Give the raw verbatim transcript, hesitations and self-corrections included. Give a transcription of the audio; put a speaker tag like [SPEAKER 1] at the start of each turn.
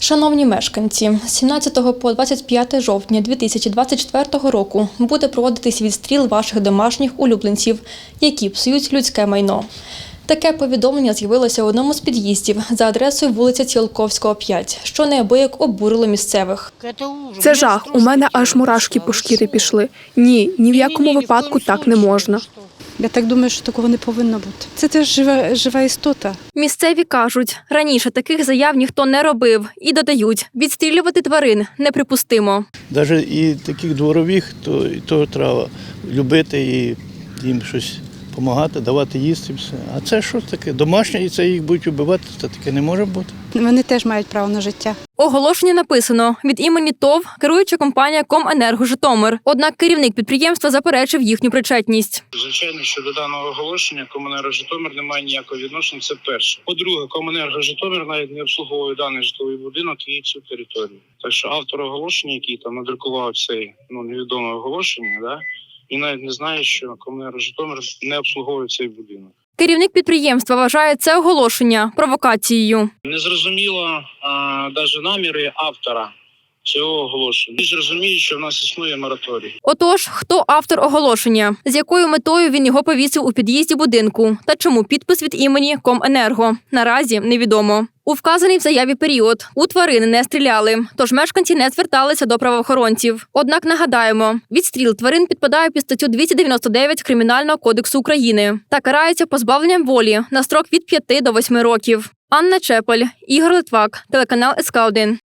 [SPEAKER 1] Шановні мешканці, з сімнадцятого по двадцять п'яте жовтня дві тисячі двадцять четвертого року буде проводитись відстріл ваших домашніх улюбленців, які псують людське майно. Таке повідомлення з'явилося в одному з під'їздів за адресою вулиця Ціолковського, п'ять, що неабияк обурило місцевих.
[SPEAKER 2] Це жах. У мене аж мурашки по шкірі пішли. Ні, ні в якому випадку так не можна.
[SPEAKER 3] Я так думаю, що такого не повинно бути. Це теж жива, жива істота.
[SPEAKER 1] Місцеві кажуть, раніше таких заяв ніхто не робив і додають, відстрілювати тварин неприпустимо.
[SPEAKER 4] Навіть і таких дворових, то і того треба любити і їм щось допомагати, давати їсти. Все. А це що таке? Домашнє, і це їх будуть вбивати, це таке не може бути.
[SPEAKER 3] Вони теж мають право на життя.
[SPEAKER 1] Оголошення написано від імені ТОВ керуюча компанія Коменерго Житомир. Однак керівник підприємства заперечив їхню причетність.
[SPEAKER 5] Звичайно, що до даного оголошення Коменерго Житомир не має ніякого відношення, це перше. По-друге, Коменерго Житомир навіть не обслуговує даний житловий будинок і цю територію. Так що автор оголошення, який там надрукував цей ну, невідоме оголошення, да, і навіть не знає, що Коменерго Житомир не обслуговує цей будинок.
[SPEAKER 1] Керівник підприємства вважає це оголошення провокацією.
[SPEAKER 5] Незрозуміло навіть наміри автора цього оголошення. Всі ж розуміють, що в нас існує мораторій.
[SPEAKER 1] Отож, хто автор оголошення? З якою метою він його повісив у під'їзді будинку? Та чому підпис від імені Коменерго? Наразі невідомо. У вказаний в заяві період у тварини не стріляли, тож мешканці не зверталися до правоохоронців. Однак нагадаємо, відстріл тварин підпадає під статтю двісті дев'яносто дев'ять Кримінального кодексу України та карається позбавленням волі на строк від п'яти до восьми років. Анна Чепель, Ігор Литвак, телеканал ес ка один.